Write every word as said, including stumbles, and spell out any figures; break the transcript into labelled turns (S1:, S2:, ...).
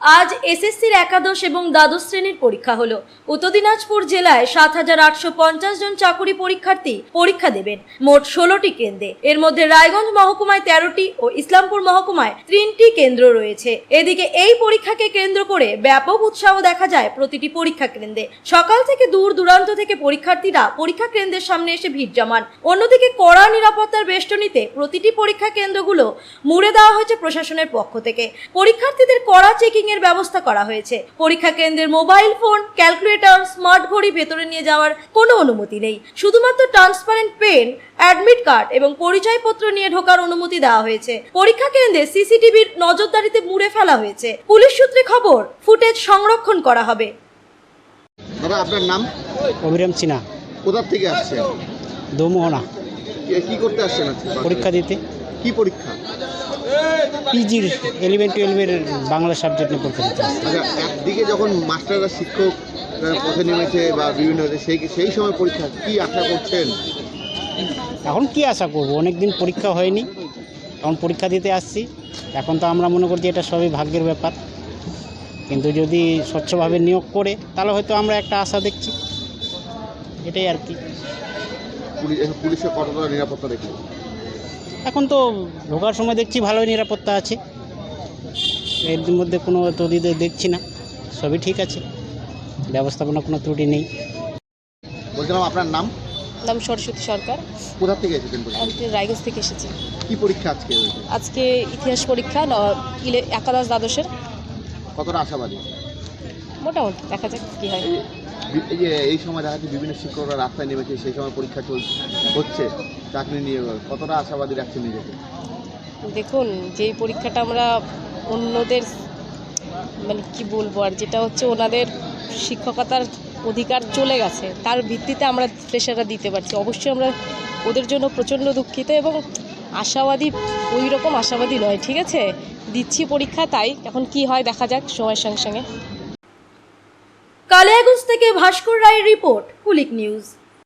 S1: আজ এসএসসির একাদশ এবং দ্বাদশ শ্রেণীর পরীক্ষা হলো। উত্তর দিনাজপুর জেলায় সাত হাজার আটশো পঞ্চাশ জন চাকুরি পরীক্ষার্থী পরীক্ষা দেবেন মোট ষোলোটি কেন্দ্রে। এর মধ্যে রায়গঞ্জ মহকুমায় তেরোটি ও ইসলামপুর মহকুমায় তিনটি কেন্দ্র রয়েছে। এদিকে এই পরীক্ষাকে কেন্দ্র করে ব্যাপক উৎসাহ দেখা যায় প্রতিটি পরীক্ষা কেন্দ্রে। সকাল থেকে দূর দূরান্ত থেকে পরীক্ষার্থীরা পরীক্ষা কেন্দ্রের সামনে এসে ভিড় জমান। অন্যদিকে কড়া নিরাপত্তার বেষ্টনীতে প্রতিটি পরীক্ষা কেন্দ্রগুলো মুড়ে দেওয়া হয়েছে প্রশাসনের পক্ষ থেকে। পরীক্ষার্থীদের কড়া চেকিং এর ব্যবস্থা করা হয়েছে। পরীক্ষা কেন্দ্রের মোবাইল ফোন, ক্যালকুলেটর, স্মার্ট ঘড়ি ভেতরে নিয়ে যাওয়ার কোনো অনুমতি নেই। শুধুমাত্র ট্রান্সপারেন্ট পেন, অ্যাডমিট কার্ড এবং পরিচয়পত্র নিয়ে ঢোকার অনুমতি দেওয়া হয়েছে। পরীক্ষা কেন্দ্রে সিসিটিভির নজরদারিতে মুড়ে ফেলা হয়েছে। পুলিশ সূত্রে খবর, ফুটেজ সংরক্ষণ করা হবে।
S2: দাদা, আপনার নাম?
S3: অভিরাম সিনহা।
S2: কোথা থেকে আসছেন?
S3: দোমোহনা।
S2: কি করতে আসছেন আজকে?
S3: পরীক্ষা দিতে।
S2: কি পরীক্ষা?
S3: পিজির ইলেভেন টুয়েলভের বাংলা সাবজেক্ট নিয়ে পরীক্ষা দিতে আসছে।
S2: আচ্ছা, একদিকে যখন মাস্টাররা শিক্ষক পথে নেমেছে বা বিভিন্ন সেই সেই সময় পরীক্ষা, কি আশা করছেন?
S3: এখন কি আশা করব, অনেক দিন পরীক্ষা হয়নি, এখন পরীক্ষা দিতে আসছি। এখন তো আমরা মনে করছি এটা সবই ভাগ্যের ব্যাপার, কিন্তু যদি স্বচ্ছভাবে নিয়োগ করে তাহলে হয়তো আমরা একটা আশা দেখছি, এটাই আর কি।
S2: পুলিশের কতটা নিরাপত্তা দেখি?
S3: এখন তো ঢোকার সময় দেখছি ভালোই নিরাপত্তা আছে, এর মধ্যে কোনো তদিদের দেখছি না, সবই ঠিক আছে, ব্যবস্থাপনা কোনো ত্রুটি নেই।
S2: বলছিলাম, আপনার নাম?
S4: নাম সরস্বতী সরকার।
S2: কোথা থেকে এসেছেন?
S4: আমি রায়গঞ্জ থেকে এসেছি।
S2: কি পরীক্ষা আজকে হয়েছে?
S4: আজকে ইতিহাস পরীক্ষা, একাদশ দ্বাদশের।
S2: কতটা আশাবাদী?
S4: মোটামুটি দেখা যাক কী হয়।
S2: এই যে এই সময় দেখা যাচ্ছে বিভিন্ন শিক্ষকরা রাস্তায় নেমেছে, সেই সময় পরীক্ষা চলছে হচ্ছে চাকরি নিয়ে, কতটা আশাবাদী রাখছেন নিজেকে?
S4: দেখুন, যেই পরীক্ষাটা আমরা অন্যদের মানে কি বলবো, আর যেটা হচ্ছে ওনাদের শিক্ষকতার অধিকার চলে গেছে, তার ভিত্তিতে আমরা ফ্রেশাররা দিতে পারছি। অবশ্যই আমরা ওদের জন্য প্রচণ্ড দুঃখিত এবং আশাবাদী, ওই রকম আশাবাদী নয়। ঠিক আছে, দিচ্ছি পরীক্ষা, তাই এখন কি হয় দেখা যাক সময়ের সঙ্গে সঙ্গে।
S1: কালিয়াগঞ্জ থেকে ভাস্কর রায়ের রিপোর্ট, কুলিক নিউজ।